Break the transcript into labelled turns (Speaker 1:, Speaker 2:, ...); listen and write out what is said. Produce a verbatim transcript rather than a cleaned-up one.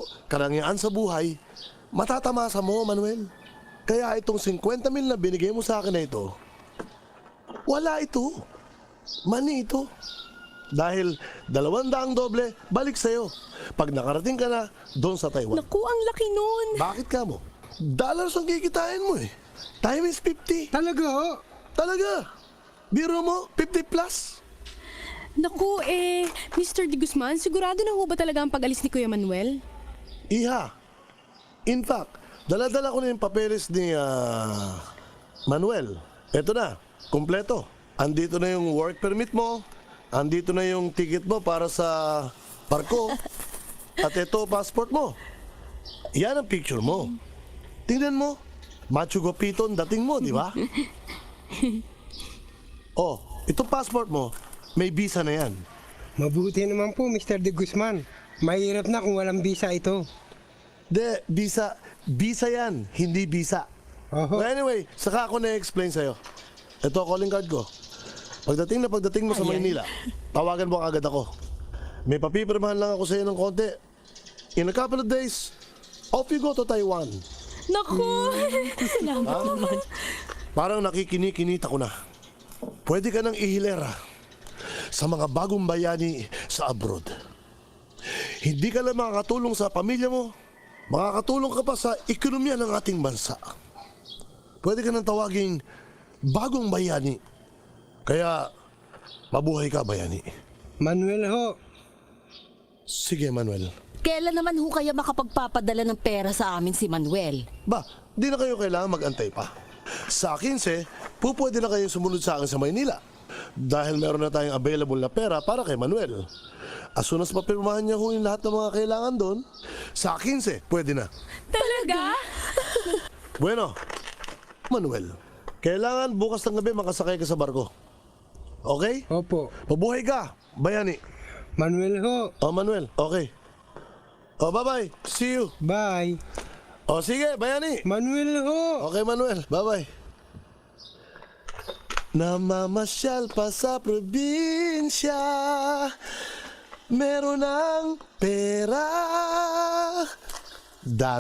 Speaker 1: karangyaan sa buhay, matatamasa mo, Manuel. Kaya itong fifty mil na binigay mo sa akin na ito, wala ito. Mani ito. Dahil dalawang daang doble, balik sa'yo. Pag nakarating ka na, doon sa Taiwan.
Speaker 2: Naku, ang laki nun.
Speaker 1: Bakit ka mo? Dollars ang kikitain mo eh. Times fifty.
Speaker 3: Talaga ho?
Speaker 1: Talaga. Biro mo, fifty plus.
Speaker 2: Naku, eh, Mister De Guzman, sigurado na ho ba talaga ang pag-alis ni Kuya Manuel?
Speaker 1: Iha. In fact, dala-dala ko na yung papeles ni ah, Manuel. Eto na, kumpleto. Andito na yung work permit mo. Andito na yung ticket mo para sa barko. At ito, passport mo. Yan ang picture mo. Tingnan mo. Machu Piton dating mo, di ba? Oh, itong passport mo, may visa na yan.
Speaker 3: Mabuti naman po, Mister De Guzman. Mahirap na kung walang visa ito.
Speaker 1: De, visa, visa yan, hindi visa.
Speaker 3: Oho.
Speaker 1: Well, anyway, saka ako na-explain sa'yo. Ito, calling card ko. Pagdating na pagdating mo sa
Speaker 2: Ayan.
Speaker 1: Maynila, tawagan mo agad ako. May papipirmahan lang ako sa'yo ng konti. In a couple of days, off you go to Taiwan.
Speaker 2: Naku, salamat naman.
Speaker 1: Parang nakikini-kinita ko na. Pwede ka nang ihilera sa mga bagong bayani sa abroad. Hindi ka lang makakatulong sa pamilya mo, makakatulong ka pa sa ekonomiya ng ating bansa. Pwede ka nang tawaging bagong bayani. Kaya, mabuhay ka, bayani.
Speaker 3: Manuel ho.
Speaker 1: Sige, Manuel.
Speaker 4: Kailan naman ho kaya makapagpapadala ng pera sa amin si Manuel?
Speaker 1: Ba, di na kayo kailangan mag-antay pa. Sa quince, pupwede na kayong sumunod sa akin sa Maynila. Dahil meron na tayong available na pera para kay Manuel. As soon as mapirmahan niya ho yung lahat ng mga kailangan doon, sa quince, pwede na.
Speaker 2: Talaga?
Speaker 1: Bueno, Manuel, kailangan bukas ng gabi makasakay ka sa barko. Okay?
Speaker 3: Opo.
Speaker 1: Mabuhay ka, bayani.
Speaker 3: Manuel ho.
Speaker 1: Oh, Manuel, okay. Oh, bye-bye. See you.
Speaker 3: Bye.
Speaker 1: Oh, sige, bayani.
Speaker 3: Manuel ho.
Speaker 1: Okay, Manuel. Bye-bye. Namamasyal pa sa probinsya, meron ng pera.